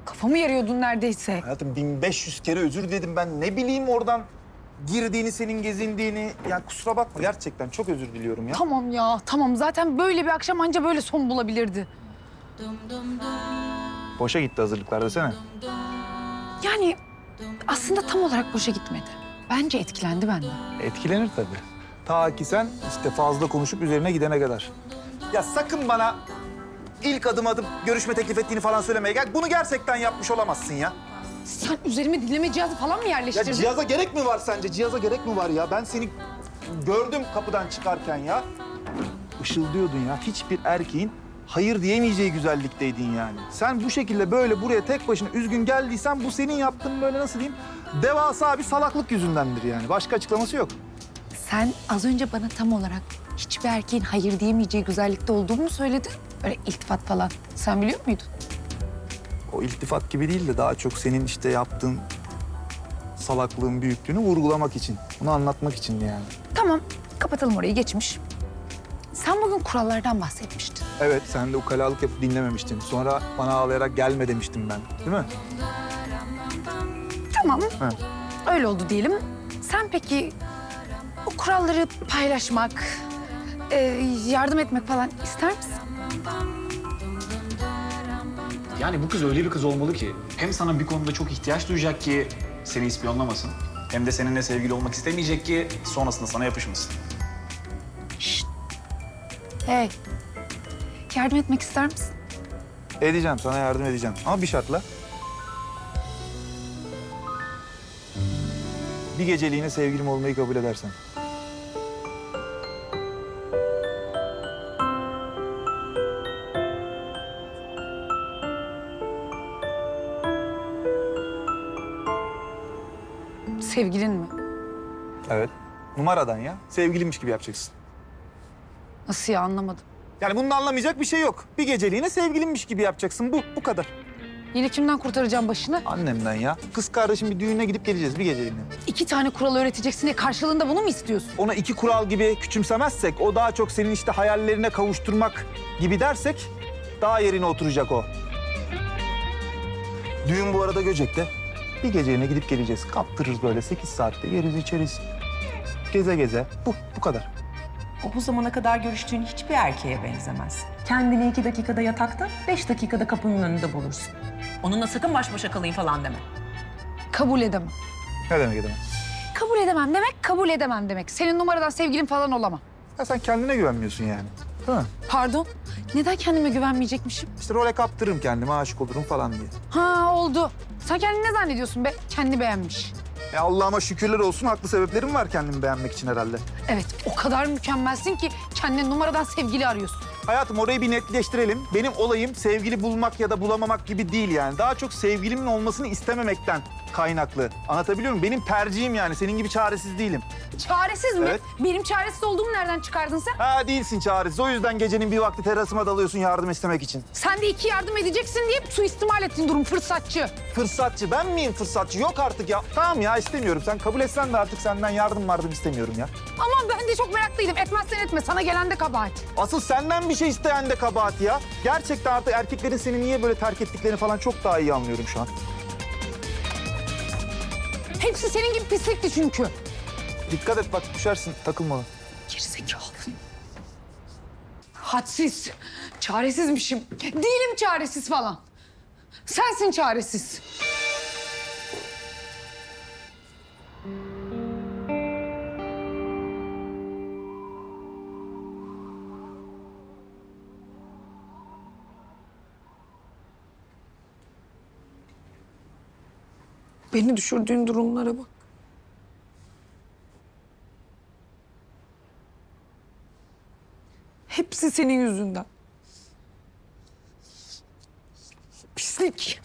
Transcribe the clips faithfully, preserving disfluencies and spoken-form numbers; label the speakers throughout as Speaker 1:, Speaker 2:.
Speaker 1: Kafamı yarıyordun neredeyse.
Speaker 2: Hayatım bin beş yüz kere özür dedim ben. Ne bileyim oradan girdiğini, senin gezindiğini. Ya kusura bakma gerçekten çok özür diliyorum ya.
Speaker 1: Tamam ya, tamam. Zaten böyle bir akşam anca böyle son bulabilirdi.
Speaker 2: Boşa gitti hazırlıklar desene.
Speaker 1: Yani aslında tam olarak boşa gitmedi. Bence etkilendi benden.
Speaker 2: Etkilenir tabii. Ta ki sen işte fazla konuşup üzerine gidene kadar. Ya sakın bana ilk adım adım görüşme teklif ettiğini falan söylemeye gel. Bunu gerçekten yapmış olamazsın ya.
Speaker 1: Sen üzerime dinleme cihazı falan mı
Speaker 2: Ya
Speaker 1: yerleştirdin?
Speaker 2: cihaza gerek mi var sence? Cihaza gerek mi var ya? Ben seni gördüm kapıdan çıkarken ya. Işıldıyordun ya. Hiçbir erkeğin hayır diyemeyeceği güzellikteydin yani. Sen bu şekilde böyle buraya tek başına üzgün geldiysen bu senin yaptığın böyle nasıl diyeyim? Devasa bir salaklık yüzündendir yani. Başka açıklaması yok.
Speaker 1: Sen az önce bana tam olarak hiçbir erkeğin hayır diyemeyeceği güzellikte olduğumu mu söyledin? Böyle iltifat falan. Sen biliyor muydun?
Speaker 2: O iltifat gibi değil de daha çok senin işte yaptığın salaklığın büyüklüğünü vurgulamak için. Bunu anlatmak için yani.
Speaker 1: Tamam, kapatalım orayı, geçmiş. Sen bugün kurallardan bahsetmiştin.
Speaker 2: Evet, sen de ukalalık yapıp dinlememiştin. Sonra bana ağlayarak gelme demiştim ben. Değil mi?
Speaker 1: Tamam,
Speaker 2: He.
Speaker 1: öyle oldu diyelim. Sen peki o kuralları paylaşmak, e, yardım etmek falan ister misin?
Speaker 3: Yani bu kız öyle bir kız olmalı ki hem sana bir konuda çok ihtiyaç duyacak ki seni ispiyonlamasın. Hem de seninle sevgili olmak istemeyecek ki sonrasında sana yapışmasın.
Speaker 1: Hey, yardım etmek ister misin?
Speaker 2: Edeceğim, sana yardım edeceğim. Ama bir şartla. Bir geceliğine sevgilim olmayı kabul edersen.
Speaker 1: Sevgilin mi?
Speaker 2: Evet. Numaradan ya. Sevgilimmiş gibi yapacaksın.
Speaker 1: Nasıl ya, anlamadım.
Speaker 2: Yani bunun anlamayacak bir şey yok. Bir geceliğine sevgilimmiş gibi yapacaksın. Bu, bu kadar.
Speaker 1: Yine kimden kurtaracağım başını?
Speaker 2: Annemden ya. Kız kardeşim bir düğüne gidip geleceğiz bir geceliğine.
Speaker 1: İki tane kural öğreteceksin diye karşılığında bunu mu istiyorsun?
Speaker 2: Ona iki kural gibi küçümsemezsek, o daha çok senin işte hayallerine kavuşturmak gibi dersek daha yerine oturacak o. Düğün bu arada Göcek'te. Bir geceliğine gidip geleceğiz. Kaptırırız böyle sekiz saatte yeriz içeriz. Geze geze. Bu, bu kadar.
Speaker 4: O bu zamana kadar görüştüğün hiçbir erkeğe benzemez. Kendini iki dakikada yatakta, beş dakikada kapının önünde bulursun. Onunla sakın baş başa kalayım falan deme.
Speaker 1: Kabul edemem.
Speaker 2: Ne demek edemem?
Speaker 1: Kabul edemem demek, kabul edemem demek. Senin numaradan sevgilin falan olamam.
Speaker 2: Ya sen kendine güvenmiyorsun yani. Değil mi?
Speaker 1: Pardon, neden kendime güvenmeyecekmişim?
Speaker 2: İşte role kaptırırım kendime, aşık olurum falan diye.
Speaker 1: Ha, oldu. Sen kendini ne zannediyorsun be? Kendi beğenmiş.
Speaker 2: Ya Allah'ıma şükürler olsun, haklı sebeplerim var kendimi beğenmek için herhalde.
Speaker 1: Evet, o kadar mükemmelsin ki kendine numaradan sevgili arıyorsun.
Speaker 2: Hayatım orayı bir netleştirelim. Benim olayım sevgili bulmak ya da bulamamak gibi değil yani. Daha çok sevgilimin olmasını istememekten kaynaklı. Anlatabiliyor muyum? Benim tercihim yani. Senin gibi çaresiz değilim.
Speaker 1: Çaresiz mi?
Speaker 2: Evet.
Speaker 1: Benim çaresiz olduğumu nereden çıkardın sen?
Speaker 2: Ha değilsin çaresiz. O yüzden gecenin bir vakti terasıma dalıyorsun yardım istemek için.
Speaker 1: Sen de iki yardım edeceksin diye suistimal ettin durum, fırsatçı.
Speaker 2: Fırsatçı. Ben miyim fırsatçı? Yok artık ya. Tamam ya istemiyorum. Sen kabul etsen de artık senden yardım vardım istemiyorum ya.
Speaker 1: Ama ben de çok meraklıydım. Etmezsen etme. Sana gelen de kabahat.
Speaker 2: Asıl senden bir şey isteyen de kabahat ya. Gerçekten artık erkeklerin seni niye böyle terk ettiklerini falan çok daha iyi anlıyorum şu an.
Speaker 1: Hepsi senin gibi pislikti çünkü.
Speaker 2: Dikkat et bak düşersin. Takılma.
Speaker 1: Gerizekalı. Hadsiz. Çaresizmişim. Değilim çaresiz falan. Sensin çaresiz. Beni düşürdüğün durumlara bak. Hepsi senin yüzünden. Pislik.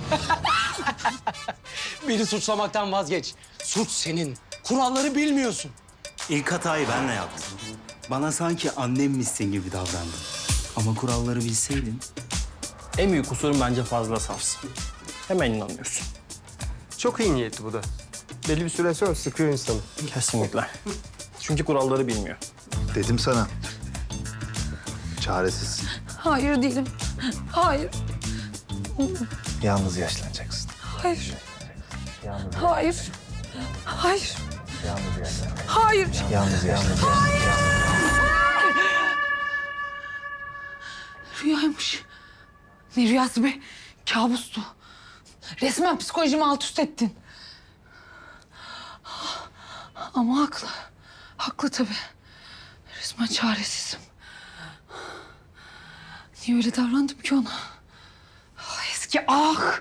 Speaker 5: Beni suçlamaktan vazgeç. Suç senin. Kuralları bilmiyorsun.
Speaker 6: İlk hatayı benle yaptım. Bana sanki annemmişsin gibi davrandın. Ama kuralları bilseydin.
Speaker 5: En büyük kusurun bence fazla safsın. Hemen inanıyorsun.
Speaker 7: Çok iyi niyetli bu da. Belli bir süre sonra sıkıyor insanı.
Speaker 5: Kesinlikle. Çünkü kuralları bilmiyor.
Speaker 2: Dedim sana. Çaresiz.
Speaker 1: Hayır değilim. Hayır.
Speaker 2: Yalnız yaşlanacaksın.
Speaker 1: Hayır.
Speaker 2: Yalnız,
Speaker 1: Hayır. Hayır.
Speaker 2: yalnız yaşlanacaksın.
Speaker 1: Hayır.
Speaker 2: Yalnız yaşlanacaksın.
Speaker 1: Rüyaymış. Ne rüyası be? Kabustu. Resmen psikolojimi alt üst ettin. Ama haklı. Haklı tabii. Resmen çaresizim. Niye öyle davrandım ki ona? Ah, eski ah!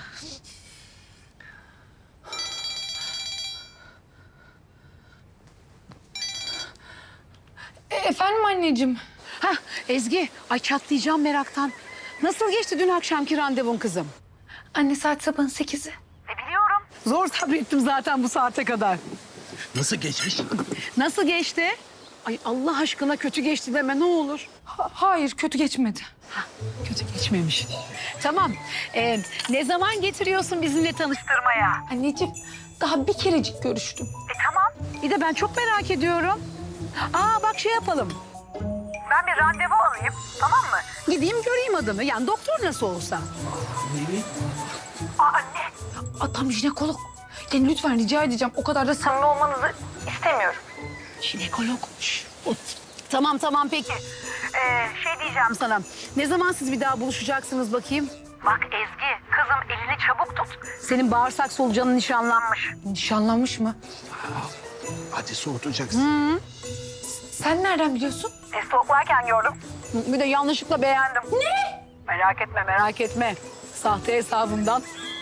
Speaker 1: E, efendim anneciğim.
Speaker 8: Hah Ezgi, ay çatlayacağım meraktan. Nasıl geçti dün akşamki randevun kızım?
Speaker 1: Anne saat sabahın sekizi.
Speaker 8: Zor sabrettim zaten bu saate kadar.
Speaker 5: Nasıl geçmiş?
Speaker 8: Nasıl geçti? Ay Allah aşkına kötü geçti deme ne olur.
Speaker 1: Ha- hayır kötü geçmedi.
Speaker 8: Kötü geçmemiş. Tamam. Ee, ne zaman getiriyorsun bizimle tanıştırmaya?
Speaker 1: Anneciğim daha bir kerecik görüştüm.
Speaker 8: Bir de ben çok merak ediyorum. Aa bak şey yapalım. Ben bir randevu alayım tamam mı? Gideyim göreyim adamı. Yani doktor nasıl olsa.
Speaker 1: Adam jinekolog. Yani lütfen rica edeceğim o kadar da samimi olmanızı istemiyorum.
Speaker 8: Jinekologmuş. Tamam tamam peki. Ee, şey diyeceğim sana. Ne zaman siz bir daha buluşacaksınız bakayım? Bak Ezgi kızım elini çabuk tut. Senin bağırsak solucanın nişanlanmış.
Speaker 1: Nişanlanmış mı?
Speaker 5: Hadi soğutacaksın.
Speaker 1: Sen nereden biliyorsun?
Speaker 8: E, stalklarken gördüm. Bir de yanlışlıkla beğendim. Ne? Merak etme merak etme. Sahte hesabımdan.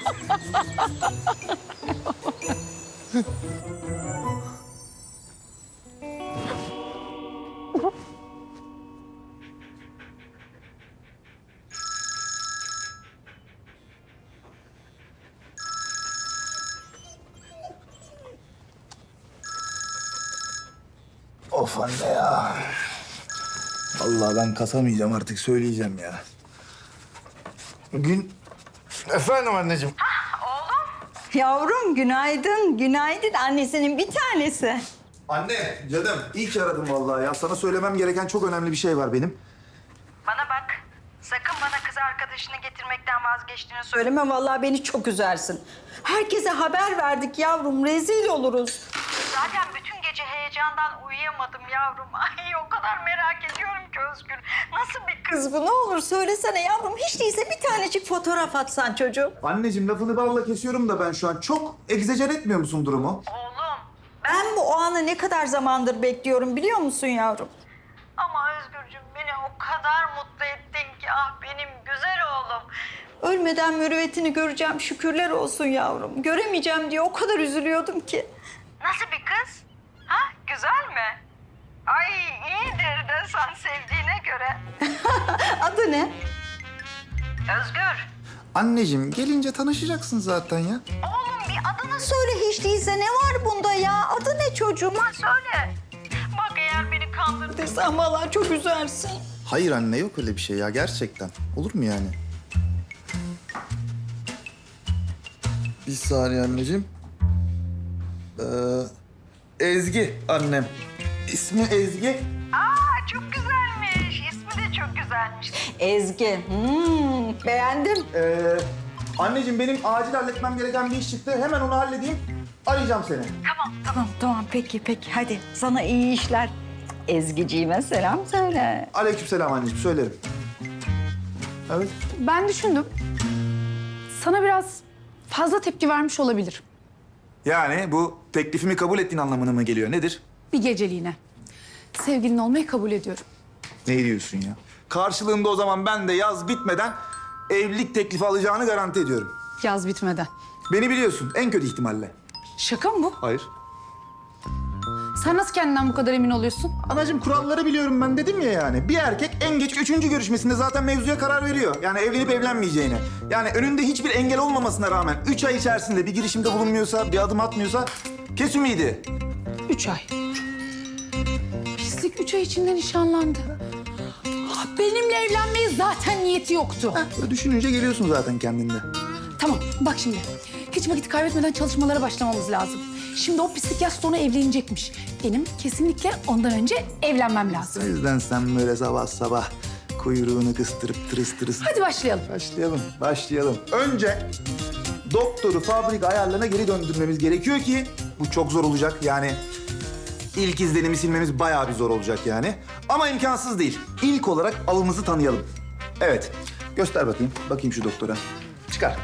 Speaker 2: Of anne ya. Vallahi ben kasamayacağım artık söyleyeceğim ya. Gün... Efendim anneciğim.
Speaker 9: Yavrum günaydın, günaydın. Annesinin bir tanesi.
Speaker 2: Anne, canım. İyi ki aradım vallahi ya. Sana söylemem gereken çok önemli bir şey var benim.
Speaker 9: Bana bak, sakın bana kız arkadaşını getirmekten vazgeçtiğini söyleme. Vallahi beni çok üzersin. Herkese haber verdik yavrum, rezil oluruz. Zaten bütün gece heyecandan uyuyamadım yavrum. Ay o kadar merak ediyorum ki Özgür. Nasıl bir kız bu? Ne olur söylesene yavrum. Hiç değilse bir tanecik fotoğraf atsan çocuğum.
Speaker 2: Anneciğim lafını balla kesiyorum da ben şu an. Çok egzecer etmiyor musun durumu?
Speaker 9: Oğlum, ben bu o anı ne kadar zamandır bekliyorum biliyor musun yavrum? Ama Özgürcüğüm beni o kadar mutlu ettin ki ah benim güzel oğlum. Ölmeden mürüvvetini göreceğim şükürler olsun yavrum. Göremeyeceğim diye o kadar üzülüyordum ki. Nasıl bir kız? Ha güzel mi? Ay iyidir de sen sevdiğine göre. Adı ne? Özgür.
Speaker 2: Anneciğim gelince tanışacaksın zaten ya.
Speaker 9: Oğlum bir adını söyle hiç değilse ne var bunda ya? Adı ne çocuğuma söyle. Bak eğer beni kandırdıysan vallahi çok üzersin.
Speaker 2: Hayır anne yok öyle bir şey ya gerçekten. Olur mu yani? Bir saniye anneciğim. Ee, Ezgi annem. İsmi Ezgi.
Speaker 9: Aa çok güzelmiş. İsmi de çok güzelmiş. Ezgi. Hmm, beğendim.
Speaker 2: Ee, anneciğim benim acil halletmem gereken bir iş çıktı. Hemen onu halledeyim. Arayacağım seni.
Speaker 9: Tamam tamam tamam peki peki hadi sana iyi işler. Ezgiciğime selam söyle.
Speaker 2: Aleykümselam anneciğim söylerim. Evet.
Speaker 1: Ben düşündüm. Sana biraz fazla tepki vermiş olabilir.
Speaker 2: Yani bu teklifimi kabul ettiğin anlamına mı geliyor? Nedir?
Speaker 1: Bir geceliğine. Sevgilin olmayı kabul ediyorum.
Speaker 2: Ne diyorsun ya? Karşılığında o zaman ben de yaz bitmeden evlilik teklifi alacağını garanti ediyorum.
Speaker 1: Yaz bitmeden.
Speaker 2: Beni biliyorsun en kötü ihtimalle.
Speaker 1: Şaka mı bu?
Speaker 2: Hayır.
Speaker 1: Sen nasıl kendinden bu kadar emin oluyorsun?
Speaker 2: Anacığım kuralları biliyorum ben dedim ya yani. Bir erkek en geç üçüncü görüşmesinde zaten mevzuya karar veriyor. Yani evlenip evlenmeyeceğine. Yani önünde hiçbir engel olmamasına rağmen üç ay içerisinde bir girişimde bulunmuyorsa, bir adım atmıyorsa kes ümidi.
Speaker 1: Üç ay. Pislik üç ay içinde nişanlandı. Ah, benimle evlenmeye zaten niyeti yoktu.
Speaker 2: Böyle düşününce geliyorsun zaten kendinde.
Speaker 1: Tamam bak şimdi. Hiç vakit kaybetmeden çalışmalara başlamamız lazım. Şimdi o pislik yaz sonu evlenecekmiş. Benim kesinlikle ondan önce evlenmem lazım.
Speaker 2: O yüzden sen böyle sabah sabah kuyruğunu kıstırıp tırıs tırıs.
Speaker 1: Hadi başlayalım.
Speaker 2: Başlayalım, başlayalım. Önce doktoru fabrika ayarlarına geri döndürmemiz gerekiyor ki bu çok zor olacak. Yani ilk izlenimi silmemiz bayağı bir zor olacak yani. Ama imkansız değil. İlk olarak avımızı tanıyalım. Evet, göster bakayım. Bakayım şu doktora. Çıkar.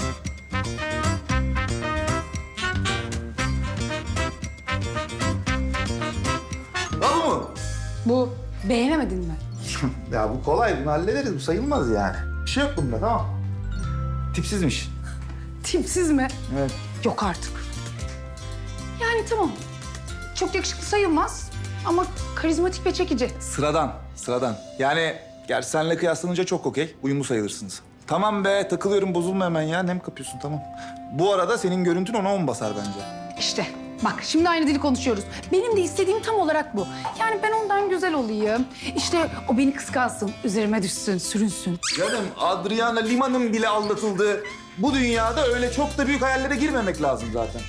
Speaker 2: Al bu mu?
Speaker 1: Bu beğenemedin mi?
Speaker 2: Ya bu kolay, bunu hallederiz. Bu sayılmaz yani. Bir şey yok bunda, tamam. Tipsizmiş.
Speaker 1: Tipsiz mi?
Speaker 2: Evet.
Speaker 1: Yok artık. Yani tamam. Çok yakışıklı sayılmaz ama karizmatik ve çekici.
Speaker 2: Sıradan, sıradan. Yani gerçi seninle kıyaslanınca çok okey. Uyumlu sayılırsınız. Tamam be, takılıyorum, bozulma hemen ya. Nem kapıyorsun, tamam. Bu arada senin görüntün ona on basar bence.
Speaker 1: İşte bak şimdi aynı dili konuşuyoruz. Benim de istediğim tam olarak bu. Yani ben ondan güzel olayım. İşte o beni kıskansın, üzerime düşsün, sürünsün.
Speaker 2: Canım, Adriana Lima'nın bile aldatıldığı bu dünyada öyle çok da büyük hayallere girmemek lazım zaten.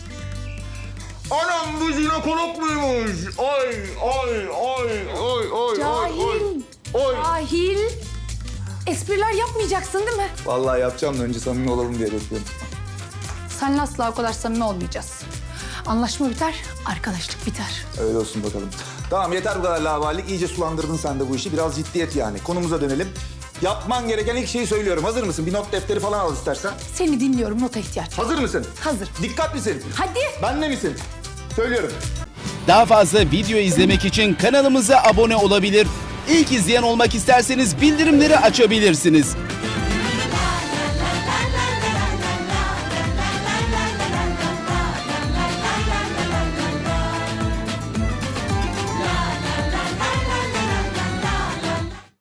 Speaker 2: Anam bu jinekolog muymuş? Ay, ay, ay, ay, ay,
Speaker 1: Cahil,
Speaker 2: Oy.
Speaker 1: cahil. Espriler yapmayacaksın değil mi?
Speaker 2: Vallahi yapacağım da önce samimi olalım diye bekliyorum.
Speaker 1: Seninle asla o kadar samimi olmayacağız. Anlaşma biter, arkadaşlık biter.
Speaker 2: Öyle olsun bakalım. Tamam, yeter bu kadar laubalilik. İyice sulandırdın sen de bu işi. Biraz ciddiyet yani. Konumuza dönelim. Yapman gereken ilk şeyi söylüyorum. Hazır mısın? Bir not defteri falan al istersen.
Speaker 1: Seni dinliyorum, nota ihtiyaç var.
Speaker 2: Hazır mısın?
Speaker 1: Hazır.
Speaker 2: Dikkat misin?
Speaker 1: Hadi.
Speaker 2: Benle misin? Söylüyorum.
Speaker 10: Daha fazla video izlemek için kanalımıza abone olabilir. İlk izleyen olmak isterseniz bildirimleri açabilirsiniz.